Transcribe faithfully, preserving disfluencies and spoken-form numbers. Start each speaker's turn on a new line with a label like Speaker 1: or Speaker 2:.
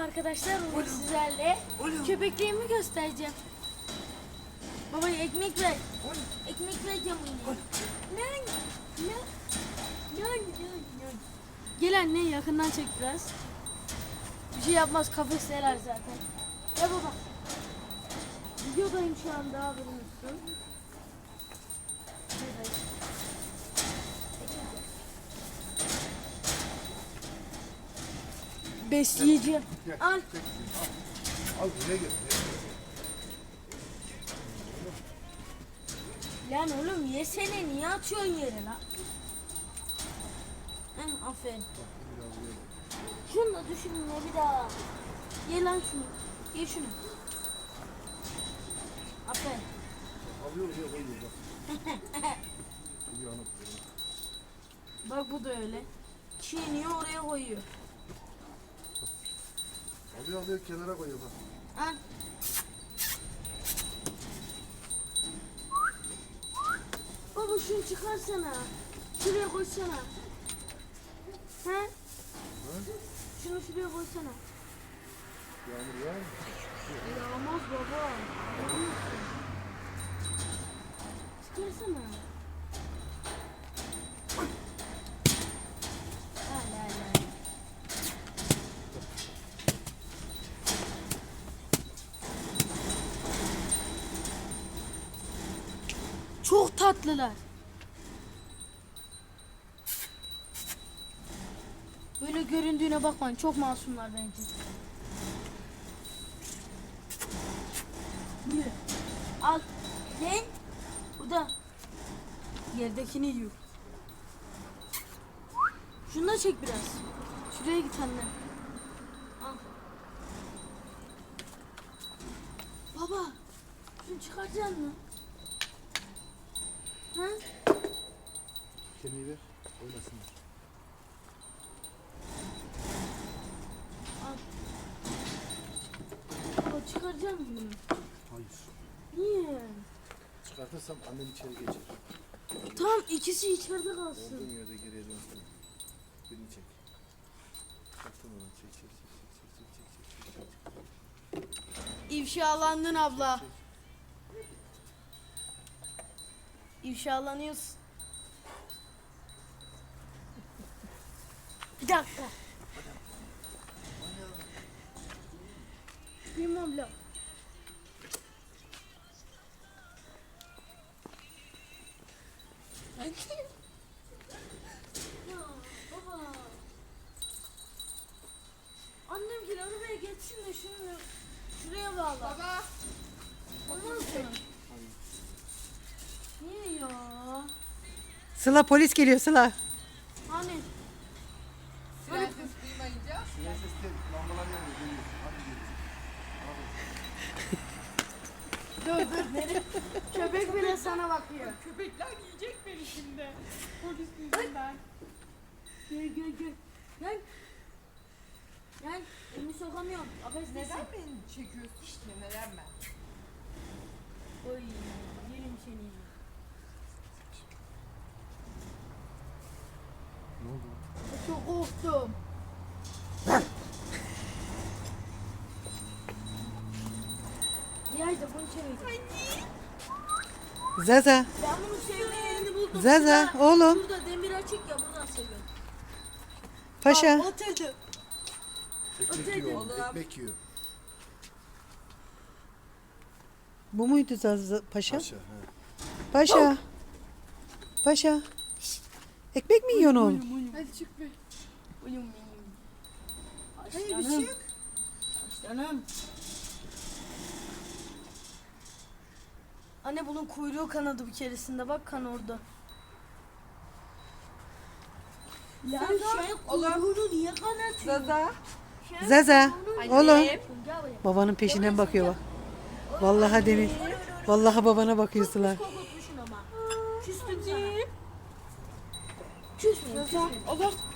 Speaker 1: arkadaşlar, bugün sizlerle köpekliğimi göstereceğim. Baba ekmek ver. Ekmek vereceğim ona. Lan, lan, lan, lan. Gel anne, yakından çek biraz. Bir şey yapmaz, kafesler zaten. Ya baba. Videodayım şu anda, haberin olsun. Besleyeceğim. Al.
Speaker 2: Al buraya gel.
Speaker 1: Lan oğlum yesene, niye atıyorsun yere lan? Hı, aferin. Şunu da düşünme bir daha. Ye lan şunu. Ye şunu. Aferin.
Speaker 2: Alıyor oraya koyuyor bak. Uyanık böyle.
Speaker 1: Bak bu da öyle. Çiğniyor oraya koyuyor.
Speaker 2: Alıyor alıyor kenara koyuyor bak.
Speaker 1: Al. Baba şunu çıkarsana. Şuraya koysana. He?
Speaker 2: Ha?
Speaker 1: Şunu şuraya koysana.
Speaker 2: Yağmur yağar mı?
Speaker 1: Yağmaz baba. Çıkarsana. Al al al. Çok tatlılar. Böyle göründüğüne bakmayın. Çok masumlar bence. Yürü. Al. Ne? Burada. Yerdekini yiyor. Şunu da çek biraz. Şuraya git anne. Al. Baba. Şunu çıkaracaksın mı? Ha?
Speaker 2: Kemiği ver. Oynasınlar.
Speaker 1: Al. Baba çıkaracak mısın bunu?
Speaker 2: Hayır.
Speaker 1: Niye?
Speaker 2: Çıkartırsam annen içeri geçer.
Speaker 1: Tamam, ikisi içeride
Speaker 2: Olduğun
Speaker 1: kalsın.
Speaker 2: yerde geriye dönsün. Birini çek. Çektim onu. Çek çek çek çek çek çek çek çek çek.
Speaker 1: İfşalandın abla. İfşalanıyorsun. Bir dakika. Benim abla. Ya baba. Annem gel arabaya geçsin de şunu şuraya bağla. Baba. Olmaz mı? Niye ya?
Speaker 3: Sıla polis geliyor Sıla.
Speaker 1: Hani?
Speaker 4: Siren ses duymayınca
Speaker 2: Siren ses değil. Lambalar yanıyor. Geliyor. Hadi geliyor.
Speaker 1: Dur dur nereye? Köpek bile sana bakıyor.
Speaker 4: köpekler yiyecek beni şimdi. Polis yüzünden.
Speaker 1: Gel gel gel. Gel. Gel. Elimi sokamıyorum. Affedersin.
Speaker 4: Neden beni çekiyorsun işte neden ben?
Speaker 1: Oy yerim seni.
Speaker 2: Ne oldu?
Speaker 1: Çok korktum. Yayda bunu çevirdim.
Speaker 3: Zaza.
Speaker 1: Ben bunu sevme yerini buldum.
Speaker 3: Zaza
Speaker 1: Şurada-
Speaker 3: oğlum.
Speaker 1: Şurada demir açık ya, buradan seviyorum.
Speaker 3: Paşa.
Speaker 1: Oturdu.
Speaker 2: Ekmek
Speaker 1: Öteydi.
Speaker 2: yiyor.
Speaker 4: Oğlum.
Speaker 2: Ekmek yiyor.
Speaker 3: Bu muydu Zaza Paşa?
Speaker 2: Paşa. He.
Speaker 3: Paşa. Paşa. Ekmek mi yiyorsun oğlum?
Speaker 4: Hadi çık be.
Speaker 1: Uyum benim.
Speaker 4: Hayır bir
Speaker 1: Aslanım.
Speaker 4: çık.
Speaker 1: Aslanım. Anne bunun kuyruğu kanadı bir keresinde, bak kan orada. Ya şey kuyruğunu niye kanatıyorsun?
Speaker 4: Zaza.
Speaker 3: Zaza. Oğlum.
Speaker 1: Gel buraya.
Speaker 3: Babanın peşinden bakıyor bak. Vallahi Demir. Vallahi babana bakıyor Sıla.
Speaker 1: Korkutmuşsun ama. Küstüm sana. Küstüm. Küstüm.
Speaker 4: Allah.